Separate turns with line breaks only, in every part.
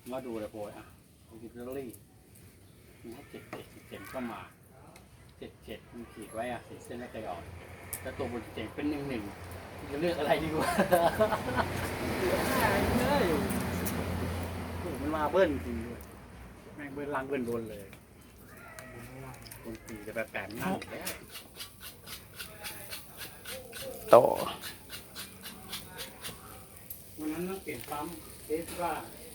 มาดูเลยโพยอ่ะดิจิทัลลี่มันให้7 7 7ก็มา7 7มันขีดไว้อ่ะ4 เส้นไม่เคยออกแล้วตัวบน7เป็น1 1จะเลือกอะไรดีกว่าเลยโอ้มันมาเบิ้ลจริงด้วยแม่งเบิ้ลล่างเบิ้ลบนเลยบน4จะแบบแปมนั่งแล้ว
ต่อ
วันนั้นต้องเปลี่ยนปั๊มเทสว่า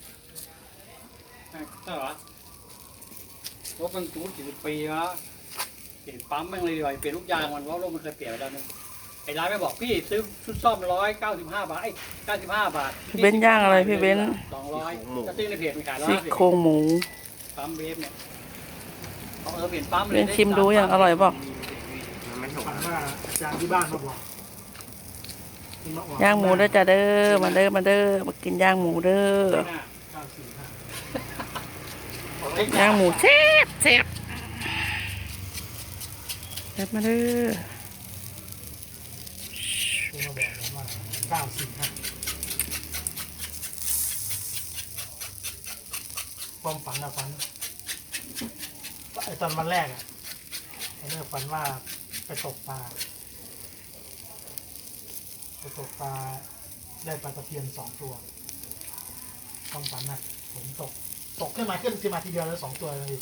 ใช่เหรอรถมัน40 ปีแล้วเปลี่ยนปั๊มแม่งเลยดีกว่าเปลี่ยนลูกยางมันเพราะรถมันเคยเปลี่ยนแล้วนึงไอ้ร้านไม่บอกพี่ซื้อชุดซ่อม195 บาท95 บาท
พี่เบ้นย่างอะไรพี่เบ้น
200จะซื้อในเพจมันขาย
ซี่โครงหมู
ปั๊มเวฟเนี่ยเปลี่ยนปั๊มเลย
เบ้นชิมดูอย่างอร่อยป่ะ
ฝันว่าอาจารย์ที่บ้านมาบอก
ย่างหมูเด้อจ้าเด้อมาเด้อมากินย่างหมูเด้อย่างหมูเซ็บมาเด้อ
คุณมาบอกว่า945ความฝันอะฝันไอตอนวันแรกอะไอเรื่องฝันว่าไปตกปลาได้ปลาตะเพียน2 ตัวความฝันนะผมตกขึ้นมาทีเดียวแล้ว2 ตัวเลย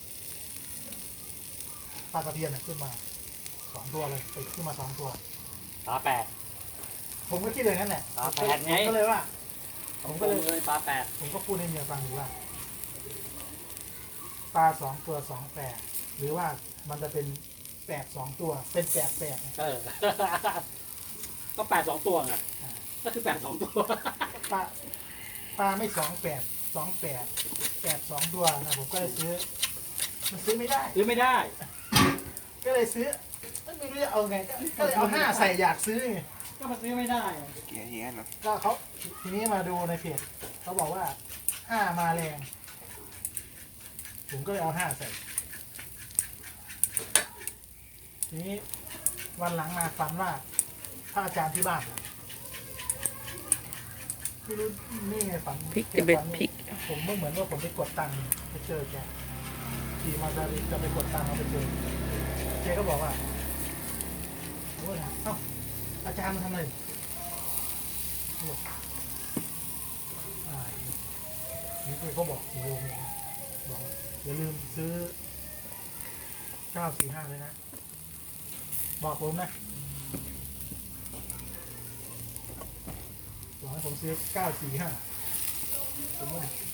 ปลาตะเพียนขึ้นมา2 ตัวเลยติดขึ้นมา2 ตัว
ปลา8
ผมก็คิดเลยงั้นแหละ
ปลา8ไง
ก็เลยว่าผมก็เลย
ปลา8
ผมก็พูดให้เมียฟังอยู่ว่าปลา2 ตัว28หรือว่ามันจะเป็น8 2 ตัวเป็น88
ก็8 2 ตัวไงก็คือ8 2 ตัว
ปลาไม่8 2 ตัวนะผมก็เลยซื้อมันซื้อไม่ได้ก็เลยซื้อไม่รู้จะเอาไงก็เลยเอา5ใส่อยากซื้อไง
ก็มันซื้อไม่ได้
เกียร์เฮียนะ
ก็เขาทีนี้มาดูในเพจเขาบอกว่า5มาแรงผมก็เลยเอา5ใส่ทีนี้วันหลังมาฝันว่าพระอาจารย์ที่บ้านไม่รู้นี่ไงฝัน
พริกจะเบ็ดพริก
ผมเหมือนว่าผมไปกดตังค์ไปเจอแกขี่มาซาริจะไปกดตังค์เราไปเจอแกก็บอกว่าโอ้ยเอ้าอาจารย์มาทำอะไรนี่คือเขาบอก4 โลเลยบอกอย่าลืมซื้อ945เลยนะบอกผมนะบอกให้ผมซื้อ945ผมว่า